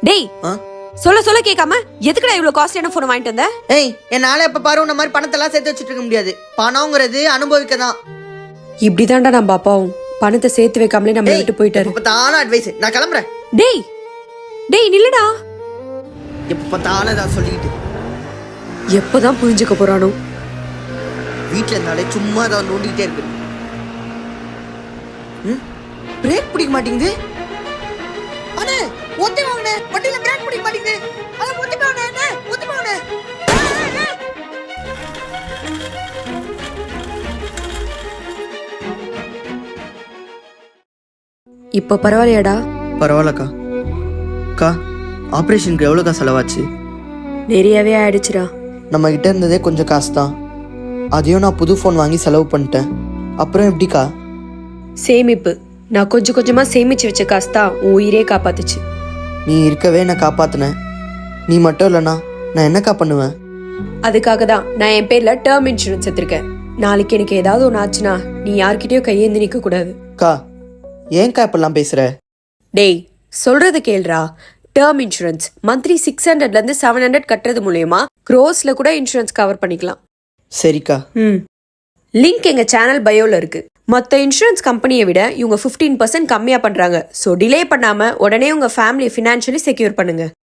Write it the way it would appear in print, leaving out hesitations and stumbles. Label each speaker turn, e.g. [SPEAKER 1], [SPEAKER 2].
[SPEAKER 1] டேய் சொல்ல சொல்ல கேட்காம எதுக்குடா இவ்வளவு காஸ்ட்லியான போன் வாங்கிட்டு வந்த?
[SPEAKER 2] ஏய் என்னால எப்ப பாரு உன்ன மாதிரி பணத்தெல்லாம் சேர்த்து வச்சுட்டு இருக்க முடியாது. பணம்ங்கிறது அனுபவிக்க தான்.
[SPEAKER 1] இப்படிதான்டா நம்ம அப்பாவும் பணத்தை சேர்த்து வைக்காமலே நம்ம விட்டு போயிட்டாரு.
[SPEAKER 2] எப்ப பார்த்தாலும் அட்வைஸ். நான் கிளம்புறேன்.
[SPEAKER 1] டேய் டேய் நில்லுடா.
[SPEAKER 2] எப்ப பார்த்தாலும் தான் சொல்லிட்டு
[SPEAKER 1] எப்பதான் புரிஞ்சுக்க போறானோ?
[SPEAKER 2] வீட்டுல இருந்தாலே சும்மா தான் நோண்டிக்கிட்டே இருக்கு. பிரேக் பிடிக்க மாட்டேங்குது. அண்ணே ஒத்தி வாங்கண்ணே. வண்டியில பிரேக் பிடிக்க மாட்டேங்குது. அத ஒத்தி வாங்கண்ணே. ஒத்தி வாங்கண்ணே.
[SPEAKER 1] இப்ப பரவாயில்லையாடா?
[SPEAKER 2] பரவாயில்லக்கா. அக்கா ஆப்ரேஷனுக்கு எவ்வளோக்கா செலவாச்சு?
[SPEAKER 1] நிறையவே ஆயிடுச்சுடா.
[SPEAKER 2] நம்ம கிட்ட இருந்ததே கொஞ்சம் காசு தான். அதையும் நான் புது ஃபோன் வாங்கி செலவு பண்ணிட்டேன். அப்புறம் எப்படிக்கா?
[SPEAKER 1] சேமிப்பு. நான் கொஞ்சம் கொஞ்சமா சேமிச்சு வச்ச காசு தான் உன் உயிரே காப்பாத்துச்சு.
[SPEAKER 2] நீ இருக்கவே நான் காப்பாத்தினேன். நீ மட்டும் இல்லைண்ணா நான் என்னக்கா பண்ணுவேன்?
[SPEAKER 1] அதுக்காக தான் நான் என் பேர்ல டேர்ம் இன்சூரன்ஸ் எடுத்திருக்கேன். நாளைக்கு எனக்கு ஏதாவது ஒன்று ஆச்சுன்னா நீ யார்கிட்டயும் கையேந்தி நிக்க கூடாது.
[SPEAKER 2] அக்கா ஏன்க்கா இப்பெல்லாம் பேசுற?
[SPEAKER 1] டேய் சொல்றது கேள்றா. டேர்ம் இன்சூரன்ஸ் மந்த்லி 600ல இருந்து 700 கட்டுறது மூலயமா க்ரோஸ்ல கூட இன்சூரன்ஸ் கவர் பண்ணிக்கலாம்.
[SPEAKER 2] சரிக்கா.
[SPEAKER 1] லிங்க் எங்க சேனல் பயோல இருக்கு. மற்ற இன்சூரன்ஸ் கம்பெனியை விட இவங்க 15% கம்மியா பண்றாங்க. ஸோ டிலே பண்ணாம உடனே உங்க ஃபேமிலியை ஃபினான்ஷியலி செக்யூர் பண்ணுங்க.